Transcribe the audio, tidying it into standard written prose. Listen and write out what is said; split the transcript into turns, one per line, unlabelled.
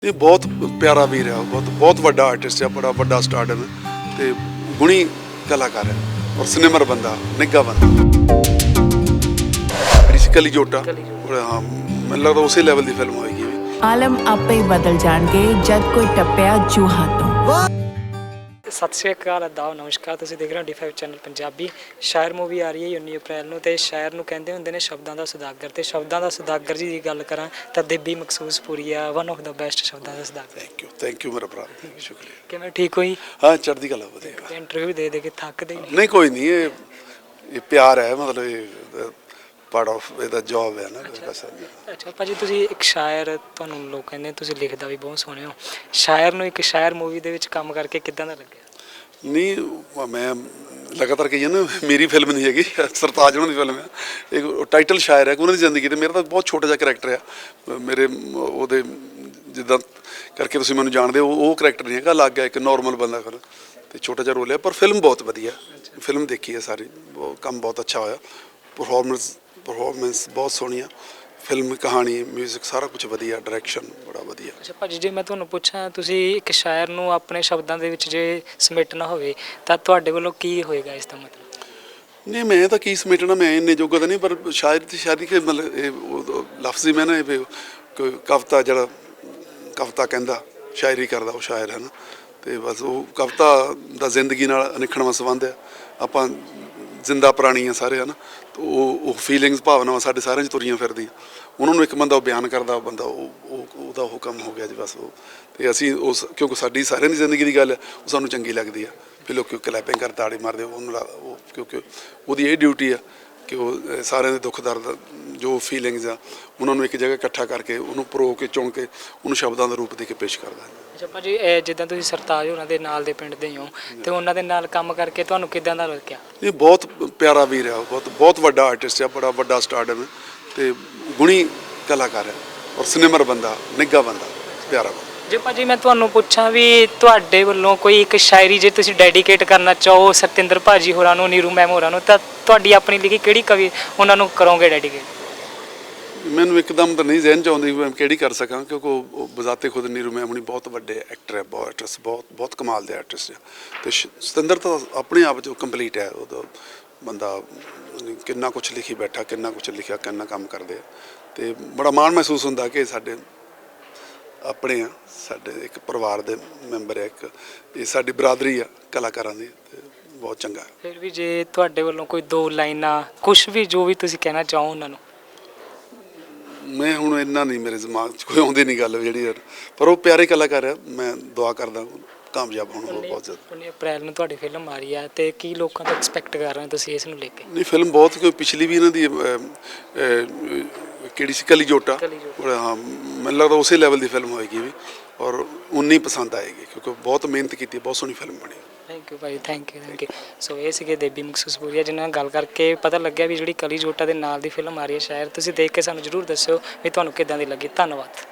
ਇਹ ਬਹੁਤ ਪਿਆਰਾ ਵੀਰ ਹੈ, ਬਹੁਤ ਵੱਡਾ ਆਰਟਿਸਟ ਹੈ, ਬੜਾ ਵੱਡਾ ਸਟਾਰ ਹੈ ਤੇ ਗੁਣੀ ਕਲਾਕਾਰ ਹੈ ਔਰ ਸਿਨੇਮਰ ਬੰਦਾ, ਨਿੱਘਾ ਬੰਦਾ। ਕਲੀ ਜੋਟਾ, ਹਾਂ ਮੈਨੂੰ ਲੱਗਦਾ ਉਸੇ ਲੈਵਲ ਦੀ ਫਿਲਮ ਹੋਏਗੀ।
ਆਲਮ ਆਪੇ ਹੀ ਬਦਲ ਜਾਣਗੇ ਜਦ ਕੋਈ ਟੱਪਿਆ ਜੂਹਾਂ ਤੋਂ।
ਸਤਿ ਸ਼੍ਰੀ ਅਕਾਲ, ਆਦਾਬ, ਨਮਸਕਾਰ। ਤੁਸੀਂ ਦੇਖ ਰਹੇ ਹੋ D5 ਚੈਨਲ ਪੰਜਾਬੀ। ਸ਼ਾਇਰ ਮੂਵੀ ਆ ਰਹੀ ਹੈ 19 ਅਪ੍ਰੈਲ ਨੂੰ ਤੇ ਸ਼ਾਇਰ ਨੂੰ ਕਹਿੰਦੇ ਹੁੰਦੇ ਨੇ ਸ਼ਬਦਾਂ ਦਾ ਸੁਦਾਗਰ, ਤੇ ਸ਼ਬਦਾਂ ਦਾ ਸੁਦਾਗਰ ਜੀ ਦੀ ਗੱਲ ਕਰਾਂ ਤਾਂ ਦੇਬੀ ਮਖਸੂਸਪੁਰੀ ਆ, ਵਨ ਆਫ ਦਾ ਬੈਸਟ ਸ਼ਬਦਾਂ ਦਾ ਸੁਦਾਗਰ।
ਥੈਂਕ ਯੂ ਮੇਰਾ ਭਰਾ, ਸ਼ੁਕਰੀਆ।
ਕਿਵੇਂ, ਠੀਕ ਹੋਈ?
ਹਾਂ, ਚੜ੍ਹਦੀ ਕਲਾ, ਵਧੀਆ।
ਇੰਟਰਵਿਊ ਦੇ ਕੇ ਥੱਕਦੇ
ਨਹੀਂ, ਕੋਈ ਨਹੀਂ, ਇਹ ਪਿਆਰ ਹੈ, ਮਤਲਬ ਇਹ ਪਾਰਟ ਆਫ ਇਹਦਾ ਜੌਬ ਹੈ ਨਾ।
ਅੱਛਾ ਭਾਜੀ, ਤੁਸੀਂ ਇੱਕ ਸ਼ਾਇਰ, ਤੁਹਾਨੂੰ ਲੋਕ ਕਹਿੰਦੇ ਤੁਸੀਂ ਲਿਖਦਾ ਵੀ ਬਹੁਤ ਸੋਹਣੇ ਹੋ। ਸ਼ਾਇਰ ਨੂੰ ਇੱਕ ਸ਼ਾਇਰ ਮੂਵੀ ਦੇ ਵਿੱਚ ਕੰਮ ਕਰਕੇ ਕਿੱਦਾਂ ਦਾ ਲੱਗਿਆ? ਨਹੀਂ, ਮੈਂ ਲਗਾਤਾਰ ਕਹੀ ਨਾ, ਮੇਰੀ ਫਿਲਮ ਨਹੀਂ ਹੈਗੀ, ਸਰਤਾਜ ਉਹਨਾਂ ਦੀ ਫਿਲਮ ਹੈ। ਇਹ ਟਾਈਟਲ ਸ਼ਾਇਰ ਹੈ, ਉਹਨਾਂ ਦੀ ਜ਼ਿੰਦਗੀ ਤੇ ਮੇਰਾ ਤਾਂ ਬਹੁਤ ਛੋਟਾ ਜਿਹਾ ਕਰੈਕਟਰ ਆ। ਮੇਰੇ ਉਹਦੇ ਜਿੱਦਾਂ ਕਰਕੇ ਤੁਸੀਂ ਮੈਨੂੰ ਜਾਣਦੇ ਹੋ, ਉਹ ਕਰੈਕਟਰ ਨਹੀਂ ਹੈਗਾ, ਅਲੱਗ ਹੈ, ਇੱਕ ਨੋਰਮਲ ਬੰਦਾ ਕਰ ਤੇ ਛੋਟਾ ਜਿਹਾ ਰੋਲ ਹੈ। ਪਰ ਫਿਲਮ ਬਹੁਤ ਵਧੀਆ, ਫਿਲਮ ਦੇਖੀ ਹੈ ਸਾਰੀ, ਕੰਮ ਬਹੁਤ ਅੱਛਾ ਹੋਇਆ। ਪਰਫਾਰਮੈਂਸ ਬਹੁਤ ਸੋਹਣੀ ਆ, ਫਿਲਮ ਕਹਾਣੀ, ਮਿਊਜ਼ਿਕ ਸਾਰਾ ਕੁਝ ਵਧੀਆ, ਡਾਇਰੈਕਸ਼ਨ ਬੜਾ ਵਧੀਆ। ਅੱਛਾ ਭਾਜੀ, ਜੇ ਮੈਂ ਤੁਹਾਨੂੰ ਪੁੱਛਾਂ, ਤੁਸੀਂ ਇੱਕ ਸ਼ਾਇਰ ਨੂੰ ਆਪਣੇ ਸ਼ਬਦਾਂ ਦੇ ਵਿੱਚ ਜੇ ਸਮੇਟਣਾ ਹੋਵੇ ਤਾਂ ਤੁਹਾਡੇ ਵੱਲੋਂ ਕੀ ਹੋਏਗਾ ਇਸ ਦਾ ਮਤਲਬ?
ਨਹੀਂ, ਮੈਂ ਤਾਂ ਕੀ ਸਮੇਟਣਾ, ਮੈਂ ਇੰਨੇ ਜੋਗਾ ਤਾਂ ਨਹੀਂ, ਪਰ ਸ਼ਾਇਰ ਦੀ ਸ਼ਾਇਰੀ ਕਿ ਮਤਲਬ ਇਹ ਲਫ਼ਜ਼ੀ ਮੈਂ ਨਾ ਇਹ ਕੋਈ ਕਵਿਤਾ, ਜਿਹੜਾ ਕਵਿਤਾ ਕਹਿੰਦਾ ਸ਼ਾਇਰੀ ਕਰਦਾ ਉਹ ਸ਼ਾਇਰ ਹੈ ਨਾ। ਅਤੇ ਬਸ ਉਹ ਕਵਿਤਾ ਦਾ ਜ਼ਿੰਦਗੀ ਨਾਲ ਅਨਿੱਖੜਵਾਂ ਸੰਬੰਧ ਆ। ਆਪਾਂ ਜ਼ਿੰਦਾ ਪ੍ਰਾਣੀ ਆ ਸਾਰੇ, ਹੈ ਨਾ। ਉਹ ਫੀਲਿੰਗਸ, ਭਾਵਨਾਵਾਂ ਸਾਡੇ ਸਾਰਿਆਂ 'ਚ ਤੁਰੀਆਂ ਫਿਰਦੀਆਂ। ਉਹਨਾਂ ਨੂੰ ਇੱਕ ਬੰਦਾ ਉਹ ਬਿਆਨ ਕਰਦਾ, ਉਹ ਬੰਦਾ ਉਹਦਾ ਉਹ ਕੰਮ ਹੋ ਗਿਆ ਜੀ, ਬਸ ਉਹ। ਅਤੇ ਅਸੀਂ ਉਸ, ਕਿਉਂਕਿ ਸਾਡੀ ਸਾਰਿਆਂ ਦੀ ਜ਼ਿੰਦਗੀ ਦੀ ਗੱਲ ਹੈ, ਉਹ ਸਾਨੂੰ ਚੰਗੀ ਲੱਗਦੀ ਆ। ਫਿਰ ਲੋਕ ਕਲੈਪਿੰਗ ਕਰ, ਤਾੜੀ ਮਾਰਦੇ, ਉਹਨੂੰ ਕਿਉਂਕਿ ਉਹਦੀ ਇਹ ਡਿਊਟੀ ਆ ਕਿ ਉਹ ਸਾਰਿਆਂ ਦੇ ਦੁੱਖ ਦਰਦ, ਜੋ ਫੀਲਿੰਗਸ ਆ, ਉਹਨਾਂ ਨੂੰ ਇੱਕ ਜਗ੍ਹਾ ਇਕੱਠਾ ਕਰਕੇ, ਉਹਨੂੰ ਪਰੋ ਕੇ, ਚੁਣ ਕੇ, ਉਹਨੂੰ ਸ਼ਬਦਾਂ ਦਾ ਰੂਪ ਦੇ ਕੇ ਪੇਸ਼ ਕਰਦਾ।
ਅੱਛਾ ਭਾਜੀ, ਜਿੱਦਾਂ ਤੁਸੀਂ ਸਰਤਾਜ ਹੋਰਾਂ ਦੇ ਨਾਲ ਦੇ ਪਿੰਡ ਦੇ ਹੋ ਅਤੇ ਉਹਨਾਂ ਦੇ ਨਾਲ ਕੰਮ ਕਰਕੇ ਤੁਹਾਨੂੰ ਕਿੱਦਾਂ ਦਾ ਲੱਗਿਆ? ਇਹ
ਬਹੁਤ ਪਿਆਰਾ ਵੀਰ ਹੈ, ਬਹੁਤ ਵੱਡਾ ਆਰਟਿਸਟ ਹੈ, ਬੜਾ ਵੱਡਾ ਸਟਾਰ ਹੈ ਤੇ ਗੁਣੀ ਕਲਾਕਾਰ ਹੈ ਔਰ ਸਿਨੇਮਰ ਬੰਦਾ, ਨਿੱਘਾ ਬੰਦਾ, ਪਿਆਰਾ ਬੰਦਾ।
ਜੇ ਭਾਜੀ ਮੈਂ ਤੁਹਾਨੂੰ ਪੁੱਛਾਂ ਵੀ ਤੁਹਾਡੇ ਵੱਲੋਂ ਕੋਈ ਇੱਕ ਸ਼ਾਇਰੀ ਜੇ ਤੁਸੀਂ ਡੈਡੀਕੇਟ ਕਰਨਾ ਚਾਹੋ ਸਤਿੰਦਰ ਭਾਜੀ ਹੋਰਾਂ ਨੂੰ, ਨੀਰੂ ਮੈਮ ਹੋਰਾਂ ਨੂੰ, ਤਾਂ ਤੁਹਾਡੀ ਆਪਣੀ ਲਿਖੀ ਕਿਹੜੀ ਕਵੀ ਉਹਨਾਂ ਨੂੰ ਕਰੋਗੇ ਡੈਡੀਕੇਟ?
ਮੈਨੂੰ ਇੱਕਦਮ ਤਾਂ ਨਹੀਂ ਜ਼ਿਹਨ 'ਚ ਆਉਂਦੀ ਮੈਂ ਕਿਹੜੀ ਕਰ ਸਕਾਂ, ਕਿਉਂਕਿ ਉਹ ਬਜ਼ਾਤੇ ਖੁਦ ਨੀਰੂ ਮੈਮ ਹੁਣੀ ਬਹੁਤ ਵੱਡੇ ਐਕਟਰ ਹੈ, ਬਹੁਤ ਕਮਾਲ ਦੇ ਆਰਟਿਸਟ ਹੈ। ਅਤੇ ਸਤਿੰਦਰ ਤਾਂ ਆਪਣੇ ਆਪ 'ਚ ਕੰਪਲੀਟ ਹੈ। ਉਹਦਾ ਬੰਦਾ ਕਿੰਨਾ ਕੁਛ ਲਿਖੀ ਬੈਠਾ, ਕਿੰਨਾ ਕੁਛ ਲਿਖਿਆ, ਕਿੰਨਾ ਕੰਮ ਕਰਦੇ ਆ। ਅਤੇ ਬੜਾ ਮਾਣ ਮਹਿਸੂਸ ਹੁੰਦਾ ਕਿ ਸਾਡੇ ਆਪਣੇ ਆ, ਸਾਡੇ ਇੱਕ ਪਰਿਵਾਰ ਦੇ ਮੈਂਬਰ ਹੈ, ਇੱਕ ਇਹ ਸਾਡੀ ਬਰਾਦਰੀ ਆ ਕਲਾਕਾਰਾਂ ਦੀ, ਅਤੇ ਬਹੁਤ ਚੰਗਾ।
ਫਿਰ ਵੀ ਜੇ ਤੁਹਾਡੇ ਵੱਲੋਂ ਕੋਈ 2 ਲਾਈਨਾਂ, ਕੁਛ ਵੀ, ਜੋ ਵੀ ਤੁਸੀਂ ਕਹਿਣਾ ਚਾਹੋ ਉਹਨਾਂ ਨੂੰ।
ਮੈਂ ਹੁਣ ਇੰਨਾ ਨਹੀਂ, ਮੇਰੇ ਦਿਮਾਗ 'ਚ ਕੋਈ ਆਉਂਦੀ ਨਹੀਂ ਗੱਲ ਜਿਹੜੀ, ਪਰ ਉਹ ਪਿਆਰੇ ਕਲਾਕਾਰ ਆ। ਮੈਂ ਦੁਆ ਕਰਦਾ ਕਾਮਯਾਬ ਹੋਣ ਬਹੁਤ ਜ਼ਿਆਦਾ।
19 ਅਪ੍ਰੈਲ ਨੂੰ ਤੁਹਾਡੀ ਫਿਲਮ ਆ ਰਹੀ ਹੈ ਅਤੇ ਕੀ ਲੋਕਾਂ ਤੋਂ ਐਕਸਪੈਕਟ ਕਰ ਰਹੇ ਹੋ ਤੁਸੀਂ ਇਸ ਨੂੰ ਲੈ ਕੇ?
ਨਹੀਂ, ਫਿਲਮ ਬਹੁਤ, ਕੋਈ ਪਿਛਲੀ ਵੀ ਇਹਨਾਂ ਦੀ ਕਿਹੜੀ ਸੀ, ਕਲੀ ਜੋਟਾ, ਹਾਂ ਮੈਨੂੰ ਲੱਗਦਾ ਉਸੇ ਲੈਵਲ ਦੀ ਫਿਲਮ ਹੋਏਗੀ ਵੀ, ਔਰ ਉਨੀ ਪਸੰਦ ਆਏਗੀ, ਕਿਉਂਕਿ ਬਹੁਤ ਮਿਹਨਤ ਕੀਤੀ, ਬਹੁਤ ਸੋਹਣੀ ਫਿਲਮ ਬਣੀ।
ਥੈਂਕ ਯੂ ਭਾਈ, ਥੈਂਕ ਯੂ। ਸੋ ਇਹ ਸੀਗੇ ਦੇਬੀ ਮਖਸੂਸਪੁਰੀਆ, ਜਿਨ੍ਹਾਂ ਨਾਲ ਗੱਲ ਕਰਕੇ ਪਤਾ ਲੱਗਿਆ ਵੀ ਜਿਹੜੀ ਕਲੀ ਜੋਟਾ ਦੇ ਨਾਲ ਦੀ ਫਿਲਮ ਆ ਰਹੀ ਹੈ ਸ਼ਾਇਰ, ਤੁਸੀਂ ਦੇਖ ਕੇ ਸਾਨੂੰ ਜ਼ਰੂਰ ਦੱਸਿਓ ਵੀ ਤੁਹਾਨੂੰ ਕਿੱਦਾਂ ਦੀ ਲੱਗੀ। ਧੰਨਵਾਦ।